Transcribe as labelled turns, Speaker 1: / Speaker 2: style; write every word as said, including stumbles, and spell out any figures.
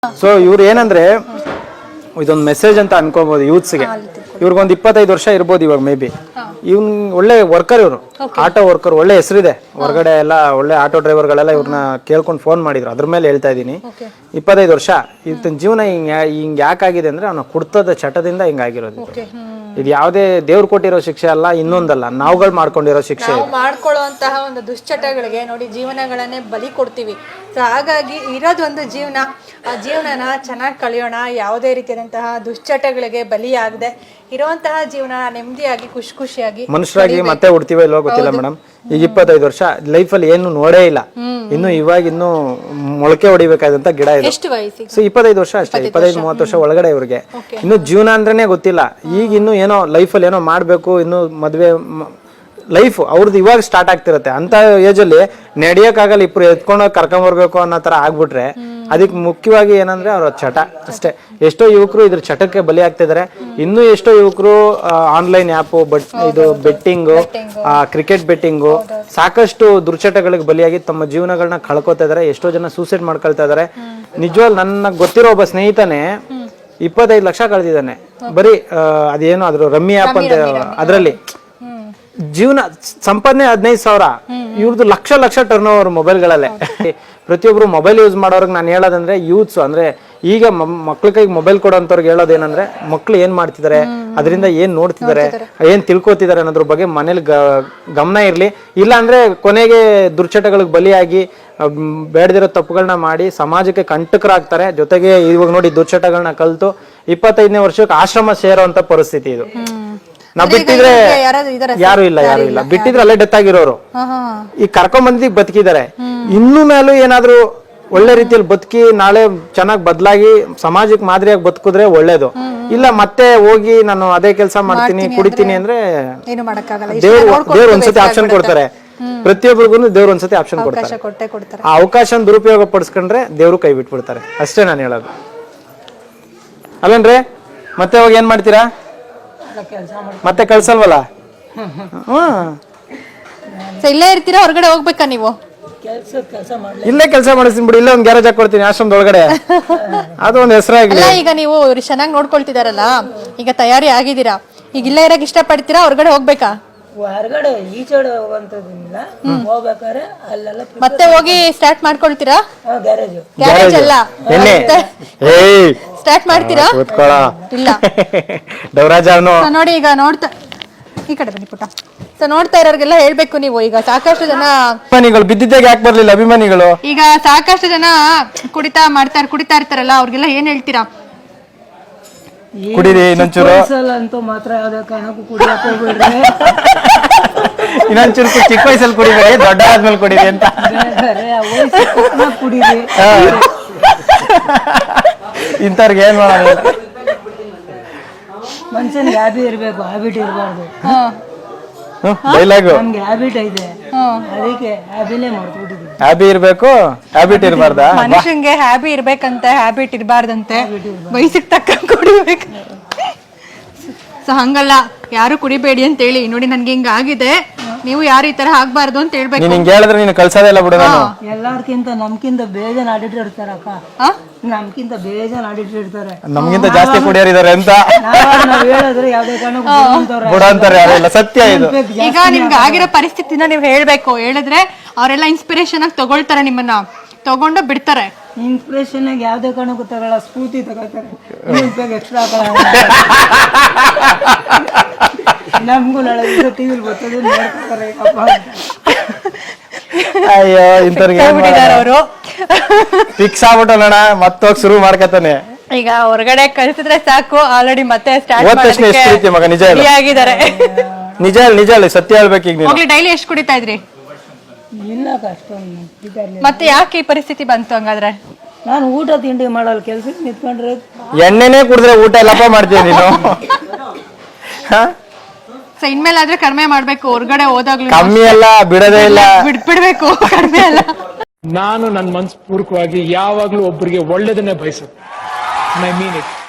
Speaker 1: So ಇವ್ರು ಏನಂದ್ರೆ ಇದೊಂದು ಮೆಸೇಜ್ ಅಂತ ಅನ್ಕೋಬಹುದು ಯೂತ್ಸ್ಗೆ. ಇವ್ರಿಗೊಂದು ಇಪ್ಪತ್ತೈದು ವರ್ಷ ಇರ್ಬೋದು ಇವಾಗ ಮೇ ಬಿ. ಇವ್ನ್ ಒಳ್ಳೆ ವರ್ಕರ್, ಇವರು ಆಟೋ ವರ್ಕರ್, ಒಳ್ಳೆ ಹೆಸರಿದೆ ಹೊರಗಡೆ ಎಲ್ಲ. ಒಳ್ಳೆ ಆಟೋ ಡ್ರೈವರ್ಗಳೆಲ್ಲ ಇವ್ರನ್ನ ಕೇಳ್ಕೊಂಡು ಫೋನ್ ಮಾಡಿದ್ರು. ಅದ್ರ ಮೇಲೆ ಹೇಳ್ತಾ ಇದ್ದೀನಿ. ಇಪ್ಪತ್ತೈದು ವರ್ಷ ಇವತ್ತಿನ ಜೀವನ ಹಿಂಗ ಹಿಂಗ್ ಯಾಕಾಗಿದೆ ಅಂದ್ರೆ ಅವನ ಕುಡ್ತದ ಚಟದಿಂದ ಹಿಂಗಾಗಿರೋದು. ಇದು ಯಾವುದೇ ದೇವ್ರು ಕೊಟ್ಟಿರೋ ಶಿಕ್ಷೆ ಅಲ್ಲ, ಇನ್ನೊಂದಲ್ಲ, ನಾವುಗಳು ಮಾಡ್ಕೊಂಡಿರೋ ಶಿಕ್ಷೆ.
Speaker 2: ಮಾಡ್ಕೊಳ್ಳುವಂತಹ ಒಂದು ದುಶ್ಚಟಗಳಿಗೆ ನೋಡಿ ಜೀವನಗಳನ್ನೇ ಬಲಿ ಕೊಡ್ತೀವಿ. ಸೊ ಹಾಗಾಗಿ ಇರೋದೊಂದು ಜೀವನ, ಆ ಜೀವನನ ಚೆನ್ನಾಗಿ ಕಳೆಯೋಣ. ಯಾವುದೇ ರೀತಿಯಾದಂತಹ ದುಶ್ಚಟಗಳಿಗೆ ಬಲಿಯಾಗದೆ ಇರುವಂತಹ ಜೀವನ ನೆಮ್ಮದಿಯಾಗಿ ಖುಷಿ ಖುಷಿಯಾಗಿ
Speaker 1: ಮನುಷ್ಯರಾಗಿ ಮತ್ತೆ ಹುಡ್ತೀವೋ ಇಲ್ವೋ ಗೊತ್ತಿಲ್ಲ ಮೇಡಮ್. ಈಗ ಇಪ್ಪತ್ತೈದು ವರ್ಷ ಲೈಫಲ್ಲಿ ಏನು ನೋಡೇ ಇಲ್ಲ. ಇನ್ನು ಇವಾಗ ಇನ್ನು ಮೊಳಕೆ ಹೊಡಿಬೇಕಾದಂತ ಗಿಡ ಇದೆ.
Speaker 2: ಎಷ್ಟು ವಯಸ್ಸಿಗೆ?
Speaker 1: ಸೊ ಇಪ್ಪತ್ತೈದು ವರ್ಷ ಅಷ್ಟೇ, ಇಪ್ಪತ್ತೈದು ಮೂವತ್ತು ವರ್ಷ ಒಳಗಡೆ ಇವ್ರಿಗೆ ಇನ್ನು ಜೀವನ ಅಂದ್ರೇನೆ ಗೊತ್ತಿಲ್ಲ. ಈಗ ಇನ್ನು ಏನೋ ಲೈಫಲ್ಲಿ ಏನೋ ಮಾಡ್ಬೇಕು, ಇನ್ನು ಮದ್ವೆ ಲೈಫ್ ಅವ್ರದ್ದು ಇವಾಗ ಸ್ಟಾರ್ಟ್ ಆಗ್ತಿರತ್ತೆ. ಅಂತ ಏಜ್ ಅಲ್ಲಿ ನಡೆಯಕ್ಕಾಗಲ್ಲ, ಇಬ್ರು ಎತ್ಕೊಂಡು ಕರ್ಕೊಂಡ್ ಬರ್ಬೇಕು ಅನ್ನೋ ತರ ಆಗ್ಬಿಟ್ರೆ ಅದಕ್ಕೆ ಮುಖ್ಯವಾಗಿ ಏನಂದ್ರೆ ಅವ್ರ ಚಟ ಅಷ್ಟೇ. ಎಷ್ಟೋ ಯುವಕರು ಇದ್ರ ಚಟಕ್ಕೆ ಬಲಿ ಆಗ್ತಿದ್ದಾರೆ. ಇನ್ನೂ ಎಷ್ಟೋ ಯುವಕರು ಆನ್ಲೈನ್ ಆ್ಯಪು, ಬಟ್ ಇದು ಬೆಟ್ಟಿಂಗು, ಕ್ರಿಕೆಟ್ ಬೆಟ್ಟಿಂಗು, ಸಾಕಷ್ಟು ದುರ್ಚಟಗಳಿಗೆ ಬಲಿಯಾಗಿ ತಮ್ಮ ಜೀವನಗಳನ್ನ ಕಳ್ಕೊತಾ ಇದಾರೆ. ಎಷ್ಟೋ ಜನ ಸೂಸೈಡ್ ಮಾಡ್ಕೊಳ್ತಾ ಇದಾರೆ. ನಿಜವಾಗ್ ನನ್ನ ಗೊತ್ತಿರೋ ಒಬ್ಬ ಸ್ನೇಹಿತನೇ ಇಪ್ಪತ್ತೈದು ಲಕ್ಷ ಕಳೆದಿದ್ದಾನೆ ಬರೀ ಅದೇನೋ ಅದ್ರ ರಮ್ಮಿ ಆ್ಯಪ್ ಅಂತ, ಅದರಲ್ಲಿ ಜೀವನ ಸಂಪಾದನೆ ಹದಿನೈದು ಸಾವಿರ, ಇವ್ರದ್ದು ಲಕ್ಷ ಲಕ್ಷ ಟರ್ನ್ ಓವರ್ ಮೊಬೈಲ್ಗಳಲ್ಲೇ. ಪ್ರತಿಯೊಬ್ರು ಮೊಬೈಲ್ ಯೂಸ್ ಮಾಡೋರ್ಗೆ ನಾನು ಹೇಳೋದಂದ್ರೆ ಯೂತ್ಸ್ ಅಂದ್ರೆ ಈಗ ಮಕ್ಳ ಕೈಗೆ ಮೊಬೈಲ್ ಕೊಡೋಂಥವ್ರಿಗೆ ಹೇಳೋದೇನಂದ್ರೆ ಮಕ್ಳು ಏನ್ ಮಾಡ್ತಿದ್ದಾರೆ, ಅದರಿಂದ ಏನ್ ನೋಡ್ತಿದ್ದಾರೆ, ಏನ್ ತಿಳ್ಕೊತಿದ್ದಾರೆ ಅನ್ನೋದ್ರ ಬಗ್ಗೆ ಮನೇಲಿ ಗಮನ ಇರ್ಲಿ. ಇಲ್ಲ ಅಂದ್ರೆ ಕೊನೆಗೆ ದುರ್ಚಟಗಳಿಗೆ ಬಲಿಯಾಗಿ ಬೇಡದಿರೋ ತಪ್ಪುಗಳನ್ನ ಮಾಡಿ ಸಮಾಜಕ್ಕೆ ಕಂಟಕರಾಗ್ತಾರೆ. ಜೊತೆಗೆ ಇವಾಗ ನೋಡಿ ದುರ್ಚಟಗಳನ್ನ ಕಲ್ತು ಇಪ್ಪತ್ತೈದನೇ ವರ್ಷಕ್ಕೆ ಆಶ್ರಮ ಸೇರೋ ಅಂತ ಪರಿಸ್ಥಿತಿ ಇದು. ನಾವ್ ಬಿಟ್ಟಿದ್ರೆ ಯಾರು ಇಲ್ಲ ಯಾರು ಇಲ್ಲ ಬಿಟ್ಟಿದ್ರೆ ಅಲ್ಲೇ ಡೆತ್ ಆಗಿರೋರು ಈಗ ಕರ್ಕೊಂಡ್ ಬಂದಿದ್ದಕ್ಕೆ ಬದುಕಿದ್ದಾರೆ. ಇನ್ನು ಮೇಲೂ ಏನಾದ್ರು ಒಳ್ಳೆ ರೀತಿಯಲ್ಲಿ ಬದುಕಿ ನಾಳೆ ಚೆನ್ನಾಗಿ ಬದಲಾಗಿ ಸಮಾಜಕ್ಕೆ ಮಾದರಿಯಾಗಿ ಬದುಕಿದ್ರೆ ಒಳ್ಳೇದು. ಇಲ್ಲ ಮತ್ತೆ ಹೋಗಿ ನಾನು ಅದೇ ಕೆಲಸ ಮಾಡ್ತೀನಿ ಕುಡಿತೀನಿ ಅಂದ್ರೆ ದೇವ್ರು ದೇವ್ರು ಒಂದ್ಸತಿ ಆಪ್ಷನ್ ಕೊಡ್ತಾರೆ. ಪ್ರತಿಯೊಬ್ಬರಿಗೂ ದೇವ್ರು ಒಂದ್ಸತಿ ಆಪ್ಷನ್ ಕೊಡ್ತಾರೆ. ಆ ಅವಕಾಶ ದುರುಪಯೋಗ ಪಡಿಸ್ಕೊಂಡ್ರೆ ದೇವ್ರು ಕೈ ಬಿಟ್ಬಿಡ್ತಾರೆ. ಅಷ್ಟೇ ನಾನು ಹೇಳೋದು. ಅಲ್ಲೇನ್ರಿ ಮತ್ತೆ ಹೋಗಿ ಏನ್ ಮಾಡ್ತೀರಾ? ಮತ್ತೆ ಕಳ್ಸಲ್ವಲ್ಲ?
Speaker 2: ಇಲ್ಲೇ ಇರ್ತೀರಾ ಹೊರಗಡೆ ಹೋಗ್ಬೇಕಾ ನೀವು?
Speaker 1: ಇಲ್ಲೇ ಕೆಲಸ ಮಾಡಿಸ್ತೀನಿ ಬಿಡಿ, ಇಲ್ಲೇ ಒಂದ್ ಗ್ಯಾರೇಜ್ ಹಾಕೊಡ್ತೀನಿ ಆಶ್ರಮದ ಒಳಗಡೆ. ಅದು ಒಂದ್ ಹೆಸರಾಗ್ಲಿ.
Speaker 2: ಈಗ ನೀವು ಚೆನ್ನಾಗಿ ನೋಡ್ಕೊಳ್ತಿದಾರಲ್ಲ, ಈಗ ತಯಾರಿ ಆಗಿದ್ದೀರಾ, ಈಗ ಇಲ್ಲೇ ಇರಕ್ ಇಷ್ಟ ಪಡ್ತೀರಾ ಹೊರಗಡೆ ಹೋಗ್ಬೇಕಾ?
Speaker 3: ಹೊರಗಡೆ ಈಚೆಡೆ ಹೋಗುವಂತದಿಲ್ಲ, ಹೋಗ್ಬೇಕಾದ್ರೆ ಅಲ್ಲೆಲ್ಲ
Speaker 2: ಮತ್ತೆ ಹೋಗಿ ಸ್ಟಾರ್ಟ್ ಮಾಡ್ಕೊಳ್ತೀರಾ?
Speaker 3: ಗ್ಯಾರೇಜ್
Speaker 2: ಗ್ಯಾರೇಜ್ ಅಲ್ಲ ಸ್ಟಾರ್ಟ್ ಮಾಡ್ತೀರಾ? ಇಲ್ಲ
Speaker 1: ದೇವರಾಜ
Speaker 2: ನೋಡಿ ಈಗ ನೋಡ್ತಾ ಈ ಕಡೆ ಬನ್ನಿ ಪುಟ್ಟ. ಸೊ ನೋಡ್ತಾ ಇರೋರ್ಗೆಲ್ಲ ಹೇಳ್ಬೇಕು ನೀವು, ಈಗ ಸಾಕಷ್ಟು ಜನ
Speaker 1: ಅಭಿಮಾನಿಗಳು ಬಿದ್ದಿದ್ದಾಗ ಯಾಕೆ ಬರ್ಲಿಲ್ಲ ಅಭಿಮಾನಿಗಳು?
Speaker 2: ಈಗ ಸಾಕಷ್ಟು ಜನ ಕುಡಿತಾ ಮಾಡ್ತಾರ ಕುಡಿತಾ ಇರ್ತಾರಲ್ಲ, ಅವ್ರಿಗೆಲ್ಲ ಏನ್ ಹೇಳ್ತೀರಾ?
Speaker 1: ಕುಡೀರಿ ಇನ್ನೊಂಚೂರು
Speaker 3: ಅಂತೂ ಮಾತ್ರ ಯಾವ್ದೇ ಕಾರಣಕ್ಕೂ ಕುಡಿಯಕ್ಕೆ ಹೋಗ್ಬೇಡ್ರಿ.
Speaker 1: ಇನ್ನೊಂಚೂರು ಚಿಕ್ಕ ವಯಸ್ಸಲ್ಲಿ ಕುಡಿಬೇಡಿ, ದೊಡ್ಡ ಆದ್ಮೇಲೆ ಕುಡೀರಿ ಅಂತ.
Speaker 3: ಕುಡೀರಿ
Speaker 1: ಇಂಥವ್ರಿಗೆ ಏನ್ ಮಾಡೋದು?
Speaker 3: ಮನುಷ್ಯನ್ಗೆ ಹ್ಯಾಬಿ ಇರ್ಬೇಕು, ಹ್ಯಾಬಿಟ್ ಇರಬಾರ್ದು.
Speaker 1: ಡೈಲಾಗು
Speaker 3: ನಮ್ಗೆ ಹ್ಯಾಬಿಟ್ ಐತೆ, ಅದಕ್ಕೆ ಹ್ಯಾಬಿನೇ ಮಾಡ್ಬಿಟ್ಟಿದ್ವಿ.
Speaker 1: ಹ್ಯಾಬಿ ಇರ್ಬೇಕು, ಹ್ಯಾಬಿಟ್ ಇರಬಾರ್ದ?
Speaker 2: ಮನುಷ್ಯಂಗೆ ಹ್ಯಾಬಿ ಇರ್ಬೇಕಂತೆ, ಹ್ಯಾಬಿಟ್ ಇರಬಾರ್ದಂತೆ, ವಯಸ್ಸಿಗೆ ತಕ್ಕ ಕುಡಿಬೇಕು. ಸೊ ಹಂಗಲ್ಲ, ಯಾರು ಕುಡಿಬೇಡಿ ಅಂತ ಹೇಳಿ. ನೋಡಿ ನನ್ಗೆ ಹಿಂಗ ಆಗಿದೆ, ನೀವು ಯಾರು ಈ ತರ ಆಗ್ಬಾರ್ದು ಅಂತ ಹೇಳ್ಬೇಕು.
Speaker 1: ನೀನ್ ಹಿಂಗೆ ಹೇಳಿದ್ರೆ ನೀನು ಕಳ್ಸೋದಿಲ್ಲ ಬಿಡು. ನಾನು
Speaker 3: ಎಲ್ಲಾರ್ಕಿಂತ ನಮ್ಕಿಂತ ಬೇಜಾನ್ ಆಡಿಟರ್ ಇರ್ತಾರ ಅಕ್ಕ, ನಮ್ಕಿಂತ ಬೇಜಾನ್ ಆಡಿಟರ್ ಇರ್ತಾರೆ,
Speaker 1: ನಮ್ಗಿಂತ ಜಾಸ್ತಿ ಕುಡಿಯೋರಿದ್ದಾರೆ ಅಂತ
Speaker 3: ನಾವ್ ಹೇಳಿದ್ರೆ ಯಾವ್ದೇ ಕಾರಣಕ್ಕೂ
Speaker 1: ಬಿಡ ಅಂತಾರೆ. ಯಾರೆಲ್ಲ ಸತ್ಯ ಇದು.
Speaker 2: ಈಗ ನಿಮ್ಗೆ ಆಗಿರೋ ಪರಿಸ್ಥಿತಿನ ನೀವು ಹೇಳ್ಬೇಕು, ಹೇಳಿದ್ರೆ ಅವರೆಲ್ಲ ಇನ್ಸ್ಪಿರೇಷನ್ ಆಗಿ ತಗೊಳ್ತಾರೆ, ನಿಮ್ಮನ್ನ ತಗೊಂಡು ಬಿಡ್ತಾರೆ.
Speaker 3: ಇನ್ಸ್ಪಿರೇಷನ್ ಆಗಿ ಯಾವ್ದೇ ಕಾರಣಕ್ಕೂ ತಗೊಳ್ಳ, ಸ್ಫೂರ್ತಿ ತಗೋತಾರೆ. ಎಕ್ಸ್ಟ್ರಾ ನಮ್ಗೂ ನಾಳೆ ಟಿವಿಲಿ ಬರ್ತದೆ ನೋಡ್ತಾರೆ.
Speaker 1: ಅಯ್ಯೋ ಇಂಥವ್ರಿಗೆ
Speaker 2: ಅವರು
Speaker 1: ಫಿಕ್ಸ್ ಆಗ್ಬಿಟ್ಟೋಣ, ಮತ್ತೋಗಿ ಶುರು ಮಾಡ್ಕತಾನೆ.
Speaker 2: ಈಗ ಹೊರಗಡೆ ಕಳ್ಸಿದ್ರೆ ಸಾಕು, ಆಲ್ರೆಡಿ ಮತ್ತೆ ಸ್ಟಾರ್ಟ್
Speaker 1: ಮಗ. ನಿಜ
Speaker 2: ಆಗಿದ್ದಾರೆ.
Speaker 1: ನಿಜ ನಿಜ ಹೇಳಿ, ಸತ್ಯ ಹೇಳ್ಬೇಕು. ಈಗ ನೀವು
Speaker 2: ಡೈಲಿ ಎಷ್ಟು ಕುಡಿತಾ ಇದ್ರಿ?
Speaker 3: ಇಲ್ಲ ಅಷ್ಟೊಂದು.
Speaker 2: ಮತ್ತೆ ಯಾಕೆ ಈ ಪರಿಸ್ಥಿತಿ ಬಂತು ಹಂಗಾದ್ರೆ?
Speaker 3: ನಾನು ಊಟ ತಿಂಡಿ ಮಾಡಲ್ಲ, ಕೆಲ್ಸಕ್ಕೆ ನಿಂತ್ಕೊಂಡ್ರೆ
Speaker 1: ಎಣ್ಣೆನೇ ಕುಡಿದ್ರೆ ಊಟ ಎಲ್ಲಪ್ಪ ಮಾಡ್ತೀಯ ನೀನು?
Speaker 2: ಸೊ ಇನ್ಮೇಲಾದ್ರೆ ಕಡಿಮೆ ಮಾಡ್ಬೇಕು, ಹೊರಗಡೆ ಹೋದಾಗ್ಲೂ
Speaker 1: ಕಮ್ಮಿ ಅಲ್ಲ, ಬಿಡದೇ ಇಲ್ಲ,
Speaker 2: ಬಿಡ್ಬಿಡ್ಬೇಕು, ಕಡಿಮೆ ಅಲ್ಲ.
Speaker 4: ನಾನು ನನ್ನ ಮನಸ್ಪೂರ್ವಕವಾಗಿ ಯಾವಾಗ್ಲೂ ಒಬ್ಬರಿಗೆ ಒಳ್ಳೇದನ್ನೇ ಬಯಸುತ್ತೆ. I mean it.